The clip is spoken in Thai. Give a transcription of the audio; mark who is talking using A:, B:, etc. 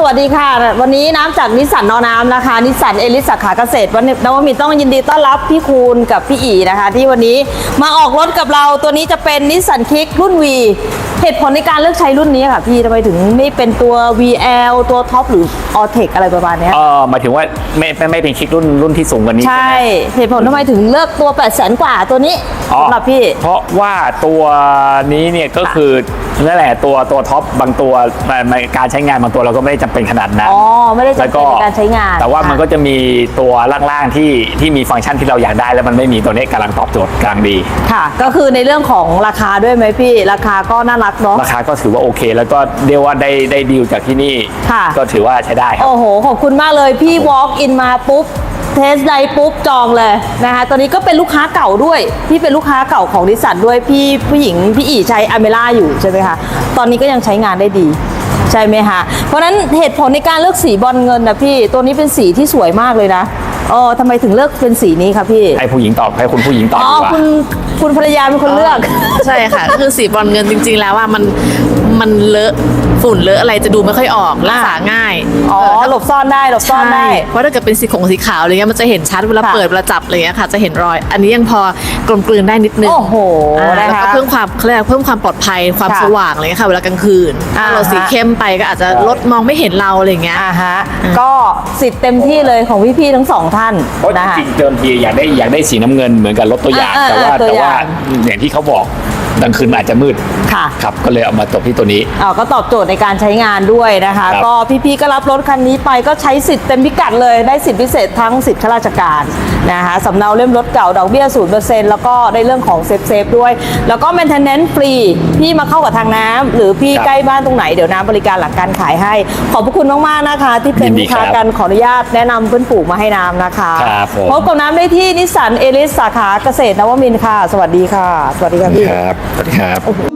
A: วัสดีค่ะวันนี้น้ำจากนิสสันนอน้ำนะคะนิสสันเอลิสสาขาเกษตรวันนวมินทร์ต้องยินดีต้อนรับพี่คูณกับพี่อีนะคะที่วันนี้มาออกรถกับเราตัวนี้จะเป็นนิสสันคิกรุ่น V เหตุผลในการเลือกใช้รุ่นนี้ค่ะพี่ทำไมถึงไม่เป็นตัว VL ตัวท็อปหรือ Alltech อะไรประมาณนี้
B: หมายถึงว่าไม่เป็นคิกรุ่นที่สูงกว่านี้
A: ใช่เหตุผลทำไมถึงเลือกตัว 800,000 กว่าตัวนี้สำหรับพี่
B: เพราะว่าตัวนี้เนี่ยก็คือนั่นแหละตัวท็อปบางตัวการใช้งานบางตัวเราก็ไม่ได้จำเป็นขนาดนั้น
A: ไม่ได้จำเป็นในการใช้งาน
B: แต่ว่ามันก็จะมีตัวล่างๆที่มีฟังก์ชันที่เราอยากได้แล้วมันไม่มีตัวนี้กำลังตอบโจทย์กำลังดี
A: ค่ะก็คือในเรื่องของราคาด้วยไหมพี่ราคาก็น่ารักเนาะ
B: ราคาก็ถือว่าโอเคแล้วก็เรียกว่าได้ดีลจากที่นี่ก็ถือว่าใช้ได้ครับ
A: โอ้โหขอบคุณมากเลยพี่ walk in มาปุ๊บเทสไดปุ๊บจองเลยนะคะตอนนี้ก็เป็นลูกค้าเก่าด้วยพี่เป็นลูกค้าเก่าของนิสสันด้วยพี่ผู้หญิงพี่อีใช้อเมร่าอยู่ใช่ไหมคะตอนนี้ก็ยังใช้งานได้ดีใช่ไหมคะเพราะฉะนั้นเหตุผลในการเลือกสีบอลเงินนะพี่ตัวนี้เป็นสีที่สวยมากเลยนะทำไมถึงเลือกเป็นสีนี้คะพี่
B: ให้ผู้หญิงตอบให้คุณผู้หญิงตอบดีกว่า
A: คุณภรรยาเป็นคนเลือก
C: ใช่ค่ะคือสีบอลเงินจริงๆแล้วว่ามันเลอะฝุ่นเลอะอะไรจะดูไม่ค่อยออกรักษาง่าย
A: หลบซ่อนได้หลบซ่อนได้
C: เพราะถ้าเกิดเป็นสีขาวอะไรเงี้ยมันจะเห็นชัดเวลาเปิดเวลาจับอะไรเงี้ยค่ะจะเห็นรอยอันนี้ยังพอกลมกลืนได้นิดนึง
A: โอ้โห
C: แล้วก็เพิ่มความปลอดภัยความสว่างอะไรเงี้ยค่ะเวลากลางคืนเราสีเข้มไปก็อาจจะลดมองไม่เห็นเราอะไรเงี้ย
A: ก็สิทธิ์เต็มที่เลยของพี่ๆทั้งสองท่าน
B: จริงๆเดิมทีอยากได้สีน้ำเงินเหมือนกับรถตัวอย่างแต่ว่าอย่างที่เขาบอกกลางคืนอาจจะมืดครับก็เลยเอามาตบที่ตัวนี้
A: ก็ตอบโจทย์ในการใช้งานด้วยนะคะก็พี่ๆก็รับรถคันนี้ไปก็ใช้สิทธิ์เต็มพิกัดเลยได้สิทธิพิเศษทั้งสิทธิข้าราชการนะคะสำเนาเล่มรถเก่าดอกเบี้ย 0% แล้วก็ได้เรื่องของเซฟด้วยแล้วก็ maintenance ฟรีพี่มาเข้ากับทางน้ำหรือพี่ใกล้บ้านตรงไหนเดี๋ยวน้ำบริการหลังการขายให้ขอบพระคุณมากๆนะคะที่เป็นลูกค้ากันขออนุญาตแนะนำเพื่อนปู่มาให้น้ำนะคะพบกับน้ำได้ที่นิสสันเอลิสสาขาเกษตรนวมินทร์ค่ะสวัสดีค่ะสวัสดีครับพี่
B: สวัสดีครับ